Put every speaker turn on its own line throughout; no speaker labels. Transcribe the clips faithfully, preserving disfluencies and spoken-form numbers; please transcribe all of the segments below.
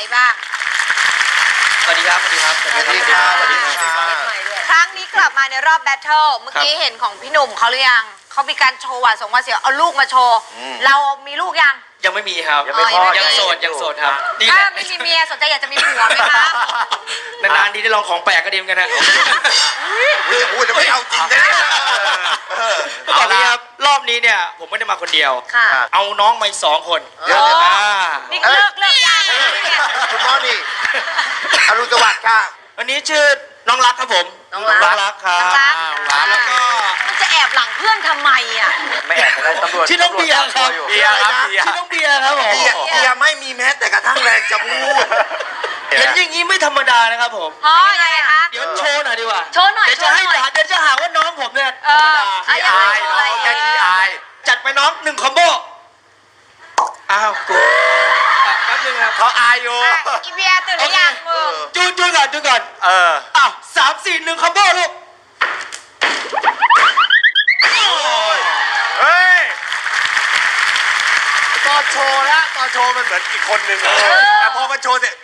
บ้าง
สวัสดีครับสวัสดีครับสวัสดีครับสวัสดีครับ
ครั้งนี้กลับมาในรอบแบทเทิลเมื่อกี้เห็นของพี่หนุ่มเขาหรือยังเขามีการโชว์หวาดสงหวาดเสียวเอาลูกมาโชว์เรามีลูกยัง
ยังไม่มีครับยังไม่พอยังโสดยังโสดครับ
ถ้าไม่มีเมียสนใจอยากจะมีผัวไหมคะ
นานๆทีได้ลองของแปลกก็ดีเหมือนกันนะ
จะพูดจะไม่เอาจริงนะ
ตอนนี้ครับรอบนี้เนี่ยผมไม่ได้มาคนเดียว
ค่ะ
เอาน้องมาสองคน
เดี๋ยวนี่เลิกเลิกยาง
คุณน้องนี่อรุณสวัสดิ์ค่ะ
วันนี้ชื่อน้องรักครับผม
น้องรัก
ครับ
แล้วก็มันจะแอบหลังเพื่อนทำไมอ่ะ
ไม่แอบอะไรตำรวจ
ชื่อน้องเบียร์ครับ
เบียร์ครับ
ชื่อน้องเบียร์ครับผม
เบียร์ไม่มีแม้แต่กระทั่งแรงจะพูด
เห็นอย่างนี้ไม่ธรรมดานะครับผม
อ๋อยังไงคะ
เดี๋ยวโชว์หน่อยดีกว่า
โชว์หน่อย
เดี๋ยวจะให้เดี๋ยวจะหาว่าน้องผมเนี่ย
ธรรมดาขี้อาย
น้องแค่ขี้อาย
จัดไปน้องหนึ่งคอมโบอ้าวกูแป๊บนึงครับ
เขาอายอยู่
อีเบียตื่นหรือยังมึง
จูนจูนก่อนจูนก่อน
เออ
อ้าวสามสี่หนึ่งคอมโบลูก
เฮ้ยตอนโชว์ละตอนโชว์มันเหมือนอีกคนนึงแต่พอมันโชว์เสร็จ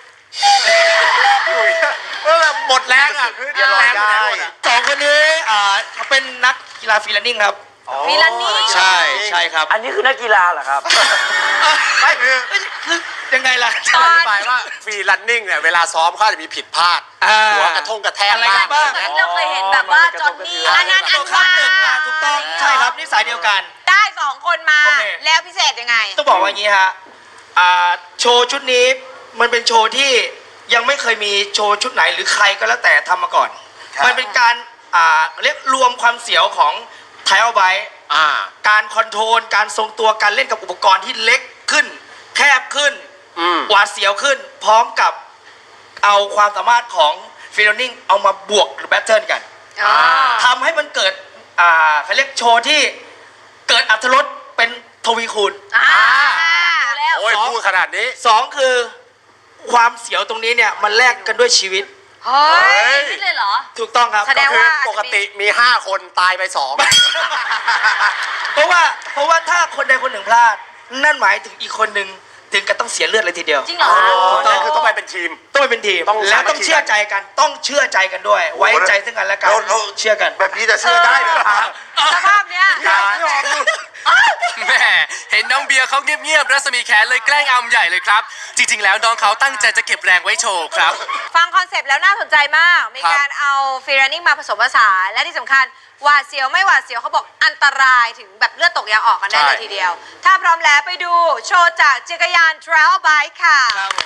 เออหมดแรงอ่ะคือแรงไปหมดอ่ะ
สองคนนี้อ่าเขาเป็นนักกีฬาฟรีแลนซิ่งครับ
ฟรีแลนซิ่ง
ใช่ใช่ครับ
อันนี้คือนักกีฬาเหรอครับ
ไม่คือ
คือยังไงล่ะ
อธิบายว่าฟรีแลนซิ่งเนี่ยเวลาซ้อมเขาจะมีผิดพลาดหัวกระทงกระแทก
บ้างเหมือนเราเคยเห็นแบบว่าจอนนี่อันนั้นอันว่า
ถูกต้องใช่ครับนิสัยเดียวกัน
ได้สองคนมาแล้วพิเศษยังไง
ต้องบอกว่าอย่างนี้ฮะโชว์ชุดนี้มันเป็นโชว์ที่ยังไม่เคยมีโชว์ชุดไหนหรือใครก็แล้วแต่ทำมาก่อนมันเป็นการเรียกรวมความเสียวของไทยเอาไว้การคอนโทรลการทรงตัวการเล่นกับอุปกรณ์ที่เล็กขึ้นแคบขึ้นหวาดเสียวขึ้นพร้อมกับเอาความสามารถของฟิลลิ่งเอามาบวกหรือแบทเทิลกันทำให้มันเกิดเขาเรียกโชว์ที่เกิดอรรถรสเป็นทวีคูณ
โอ้ยพูดขนาดนี้
สองคือความเสียวตรงนี้เนี่ยมันแลกกันด้วยชีวิต
เฮ้ยนี่เลยเหรอ
ถูกต้องครับ
แสดงว่า
ปกติมีห้าคนตายไปสอง
เพราะว่าเพราะว่าถ้าคนใดคนหนึ่งพลาดนั่นหมายถึงอีกคนหนึ่งถึงกับต้องเสียเลือดเลยทีเดียว
จริงเหรอ
นั่นคือต้องไปเป็นทีม
ต้องไปเป็นทีมแล้วต้องเชื่อใจกันต้องเชื่อใจกันด้วยไว้ใจซึ่งกันและกันเชื่อกัน
แบบนี้จะเชื่อได้เลยครับ
สภาพเนี้ย
แม่เห็นน้องเบียร์เขาเงียบๆรัศมีแขนเลยแกล้งอำใหญ่เลยครับจริงๆแล้วน้องเขาตั้งใจจะเก็บแรงไว้โชว์ครับ
ฟังคอนเซปต์แล้วน่าสนใจมากมีการเอาฟรีแลนซิ่งมาผสมผสานและที่สำคัญหวาดเสียวไม่หวาดเสียวเขาบอกอันตรายถึงแบบเลือดตกยางออกกันได้เลยทีเดียวถ้าพร้อมแล้วไปดูโชว์จากจักรยาน Trail Bike ค่ะ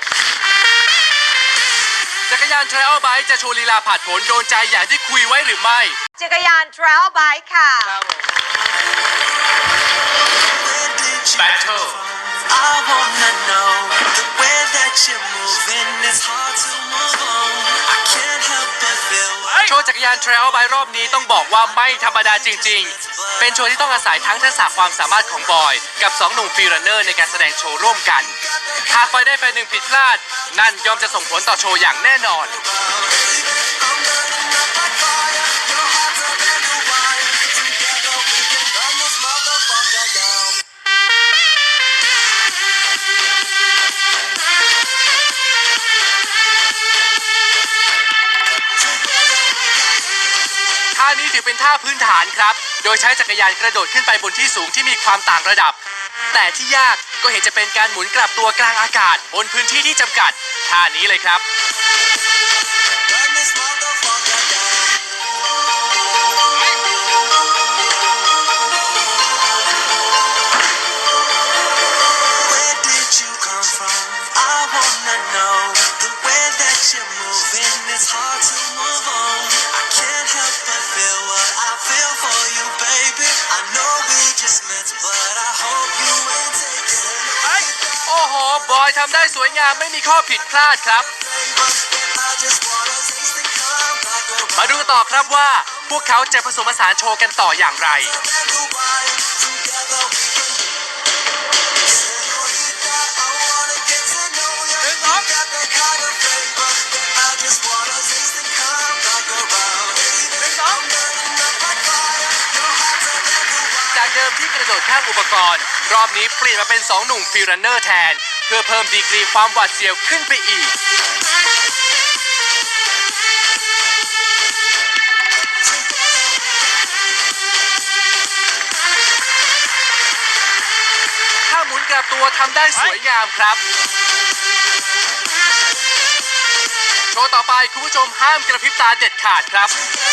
จักรยาน Trail Bike จะโชว์ลีลาผ่านผลโดนใจอย่างที่คุยไว้หรือไม่
จักรยาน Trail Bike ค่ะ
Battle
I wanna know the way that you're moving it's hard to move on I can't help but feel
โชว์จักรยาน Trail Bike รอบนี้ต้องบอกว่าไม่ธรรมดาจริงๆเป็นโชว์ที่ต้องอาศัยทั้งทักษะความสามารถของบอยกับสองหนุ่มฟรีรันเนอร์ในการแสดงโชว์ร่วมกันหากไฟได้ไฟหนึ่งผิดพลาดนั่นย่อมจะส่งผลต่อโชว์อย่างแน่นอนท่านี้ถือเป็นท่าพื้นฐานครับโดยใช้จักรยานกระโดดขึ้นไปบนที่สูงที่มีความต่างระดับแต่ที่ยากก็เห็นจะเป็นการหมุนกลับตัวกลางอากาศบนพื้นที่ที่จำกัดท่านี้เลยครับโอ้โหบอยทำได้สวยงามไม่มีข้อผิดพลาดครับมาดูต่อครับว่าพวกเขาจะผสมผสานโชว์กันต่ออย่างไรจากเดิมที่กระโดดข้ามอุปกรณ์รอบนี้เปลี่ยนมาเป็นสองหนุ่มฟรีรันเนอร์แทนพื่อเพิ่มดีกรีความหวาดเสียวขึ้นไปอีก ถ้าหมุนกลับตัวทำได้สวยงามครับ โชว์ต่อไปคุณผู้ชมห้ามกระพริบตาเด็ดขาดครับ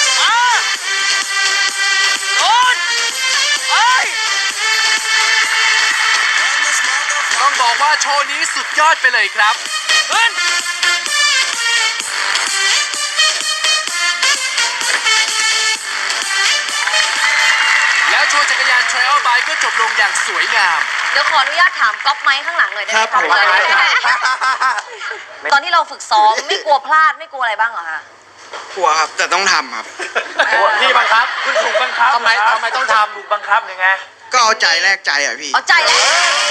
ต้องบอกว่าโชว์นี้สุดยอดไปเลยครับ แล้วโชว์จักรยาน Trial Bike ก็จบลงอย่างสวยงาม
เดี๋ยวขออนุญาตถามก๊อฟไม้ข้างหลังเลยได้ไหม
ครับผม
ก๊อฟไมค์ตอนที่เราฝึกซ้อมไม่กลัวพลาดไม่กลัวอะไรบ้างเหรอคะ
กลัวครับแต่ต้องทำครับ
พี่บังคับคุณถูกบังคับทำไมทำไมต้องทำถูกบังคับยังไง
ก็เอาใจแลกใจอ่ะพี่
เอาใจแล้ว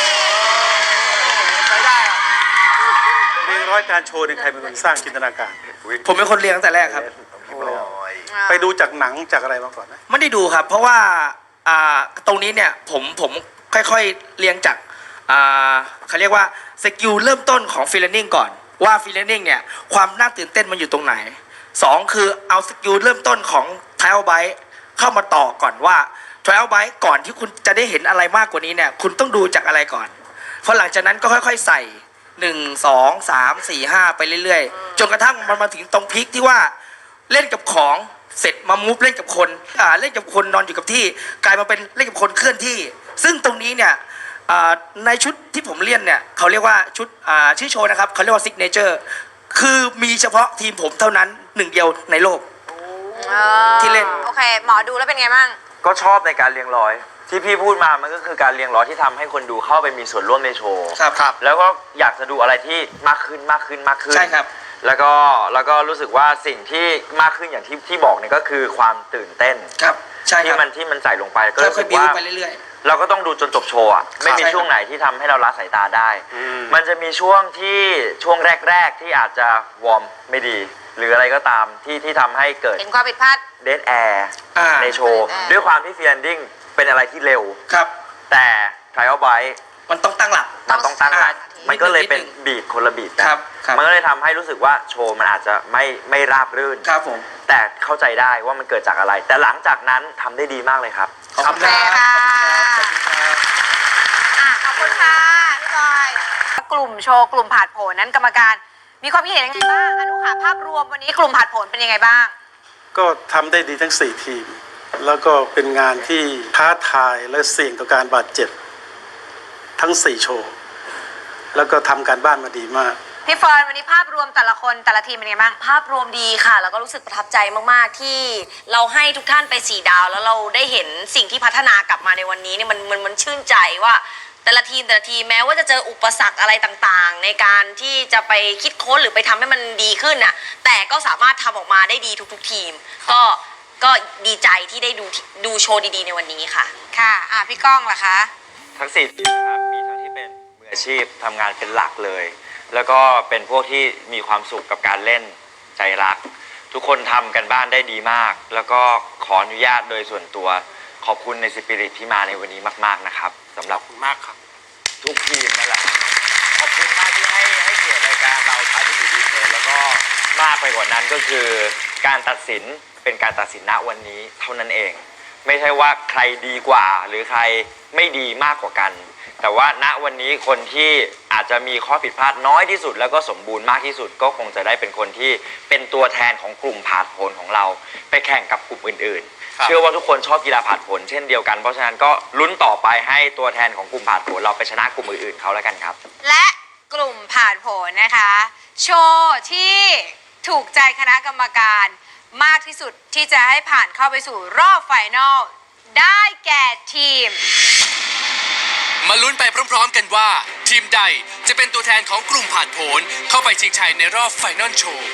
ใช้ได้อะ
เรียนร้อยการโชว์ในใครเป็นคนสร้างจินตนาการ
ผมเป็นคนเรียนตั้งแต่แรกครับ
ไปดูจากหนังจากอะไรมาก่อนนะ
ไม่ได้ดูครับ เพราะว่าอ่าตรงนี้เนี่ยผมผมค่อยๆเรียงจากอ่าเขาเรียกว่าสกิลเริ่มต้นของฟีลลิ่งก่อนว่าฟีลลิ่งเนี่ยความน่าตื่นเต้นมันอยู่ตรงไหนสองคือเอาสกิลเริ่มต้นของ Trial Bike เข้ามาต่อก่อนว่า Trial Bike ก่อนที่คุณจะได้เห็นอะไรมากกว่านี้เนี่ยคุณต้องดูจากอะไรก่อนเพราะหลังจากนั้นก็ค่อยๆใส่หนึ่งสองสามสี่ห้าไปเรื่อยๆจนกระทั่งมันมาถึงตรงพีคที่ว่าเล่นกับของเสร็จมามูฟเล่นกับคนอ่าเล่นกับคนนอนอยู่กับที่กลายมาเป็นเล่นกับคนเคลื่อนที่ ซึ่งตรงนี้เนี่ยอ่าในชุดที่ผมเล่นเนี่ยเขาเรียกว่าชุดอ่าชื่อโชว์นะครับเขาเรียกว่าซิกเนเจอร์คือมีเฉพาะทีมผมเท่านั้นหนึ่งเดียวในโลก ที่เล่น
โอเค หมอดูแล้วเป็นไงบ้าง
ก็ชอบในการเรียงร้อย ที่พี่พูดมามันก็คือการเรียงร้อยที่ทำให้คนดูเข้าไปมีส่วนร่วมในโชว์
ครับครับ
แล้วก็อยากจะดูอะไรที่มากขึ้นมากขึ้นมากขึ้น
ใช่ครับ
แล้วก็แล้วก็รู้สึกว่าสิ่งที่มากขึ้นอย่างที่ที่บอกเนี่ยก็คือความตื่นเต้น
ครับใช่ค
ที่
รับ
มันที่มันใส่ลงไปก็
ค่
รู้สึ
อย
ก
ๆบิว
ว่า
ไปเรื่อย
เราก็ต้องดูจนจบโชว์อะไม่มี
ใช่ครับ
ช่วงไหนที่ทำให้เราละสายตาได้
อืม
มันจะมีช่วงที่ช่วงแรก ๆ ที่อาจจะวอร์มไม่ดี หรืออะไรก็ตามที่ที่ทำให้เกิด
เห็นความผิดพลาด
เดดแอร์
อ่า
ในโชว์
อ่า
ด้วยความที่ฟีลลิ่งเป็นอะไรที่เร็ว
ๆครับ
แต่ Trial Bike
มันต้องตั้งหลัก
มันต้องตั้งหลัก
อ่า
มันก็เลยเป็น
นิดนึง
บีทคนละบีทกัน
ครับครับ
มันก็เลยทำให้รู้สึกว่าโชว์มันอาจจะไม่ไม่ราบรื่น
ครับผม
แต่เข้าใจได้ว่ามันเกิดจากอะไร แต่หลังจากนั้นทำได้ดีมากเลยครับ
ขอบคุณครับ
โอเคค่ะ
ขอบคุณครับ
อ่ะขอบคุณค่ะพี่บอยกลุ่มโชว์กลุ่มผ่านผลนั้นกรรมการ มีความคิดเห็นยังไงบ้างอนุขาภาพรวมวันนี้กลุ่มผ่านผลเป็นยังไงบ้าง
ก็ทำได้ดีทั้งสี่ทีม แล้วก็เป็นงานที่ท้าทายและเสี่ยงต่อการบาดเจ็บทั้งสี่โชว์ แล้วก็ทำการบ้านมาดีมาก
พี่เฟิร์นวันนี้ภาพรวมแต่ละคนแต่ละทีมเป็นยังไงบ้าง
ภาพรวมดีค่ะ แล้วก็รู้สึกประทับใจมากๆที่เราให้ทุกท่านไปสี่ดาว แล้วเราได้เห็นสิ่งที่พัฒนากลับมาในวันนี้เนี่ยมันมันมันชื่นใจว่า แต่ละทีมแต่ละทีมแม้ว่าจะเจออุปสรรคอะไรต่างๆ ในการที่จะไปคิดค้นหรือไปทำให้มันดีขึ้นน่ะแต่ก็สามารถทำออกมาได้ดีทุกๆทีม ก็ก็ดีใจที่ได้ดูดูโชว์ดีๆในวันนี้ค่ะ
ค่ะอ่ะพี่ก้องล่ะคะ
ทั้งสี่ทีมนะครับมีทั้งที่เป็นมืออาชีพทำงานเป็นหลักเลย แล้วก็เป็นพวกที่มีความสุขกับการเล่นใจรัก ทุกคนทำกันบ้านได้ดีมาก แล้วก็ขออนุญาตโดยส่วนตัวขอบคุณในสปิริตที่มาในวันนี้มากๆนะครับสำหรับ
มากครับ
ทุกทีมนั่นแหละขอบคุณมากที่ให้ให้เกียรติรายการเราท้ายที่สุดดีเลยแล้วก็มากไปกว่านั้นก็คือการตัดสินเป็นการตัดสินณวันนี้เท่านั้นเอง ไม่ใช่ว่าใครดีกว่าหรือใครไม่ดีมากกว่ากัน แต่ว่าณวันนี้คนที่อาจจะมีข้อผิดพลาดน้อยที่สุดแล้วก็สมบูรณ์มากที่สุดก็คงจะได้เป็นคนที่เป็นตัวแทนของกลุ่มผาดโผนของเราไปแข่งกับกลุ่มอื่นๆ เชื่อว่าทุกคนชอบกีฬาผาดโผนเช่นเดียวกันเพราะฉะนั้นก็ลุ้นต่อไปให้ตัวแทนของกลุ่มผาดโผนเราไปชนะกลุ่มอื่นๆเขาแล้วกันครับ
และกลุ่มผ่านผลนะคะ โชว์ที่ถูกใจคณะกรรมการมากที่สุดที่จะให้ผ่านเข้าไปสู่รอบไฟนอลได้แก่ทีม
มาลุ้นไปพร้อมๆกันว่า ทีมใดจะเป็นตัวแทนของกลุ่มผ่านผลเข้าไปชิงชัยในรอบไฟนอลโชว์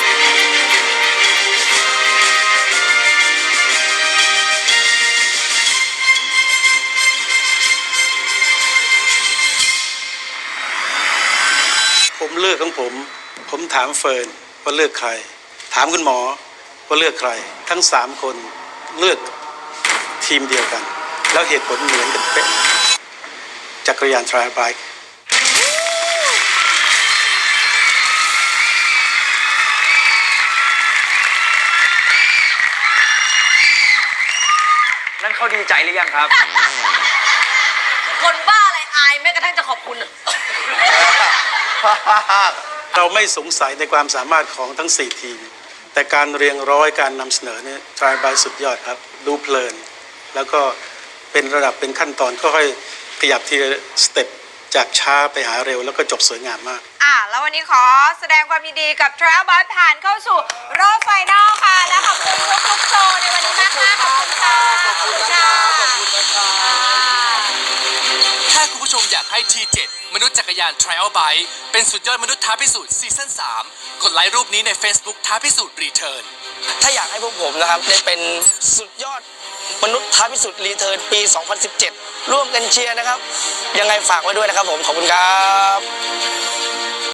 ผมเลือกของผม ผมถามเฟิร์นว่าเลือกใคร ถามคุณหมอว่าเลือกใคร ทั้งสามคนเลือกทีมเดียวกัน แล้วเหตุผลเหมือนกันเป๊ะจักรยาน Trial Bike
เขาดีใจหรือยังครับ
คนบ้าอะไรอายแม้กระทั่งจะขอบคุณ
เราไม่สงสัยในความสามารถของทั้งสี่ทีม แต่การเรียงร้อยการนำเสนอเนี่ยทรายบายสุดยอดครับ ดูเพลิน แล้วก็เป็นระดับเป็นขั้นตอนค่อยๆขยับทีละสเต็ปจากช้าไปหาเร็วแล้วก็จบสวยงามมาก
อ่ะแล้ววันนี้ขอแสดงความยินดีกับ Trial Bus ผ่านเข้าสู่รอบไฟนอลค่ะ และขอบคุณทุกๆโชว์ในวันนี้มากๆขอบคุณค่ะขอบคุณค่ะ
ถ้าคุณผู้ชมอยากให้ ที เจ็ด มนุษย์จักรยาน Trial Bike เป็นสุดยอดมนุษย์ท้าพิสูจน์ซีซั่น สาม กดไลค์รูปนี้ใน Facebook ท้าพิสูจน์รีเทิร์น
ถ้าอยากให้พวกผมนะครับได้เป็นสุดยอดมนุษย์ท้าพิสูจน์รีเทิร์นปี สองพันสิบเจ็ด ร่วมกันเชียร์นะครับ ยังไงฝากไว้ด้วยนะครับผม ขอบคุณครับ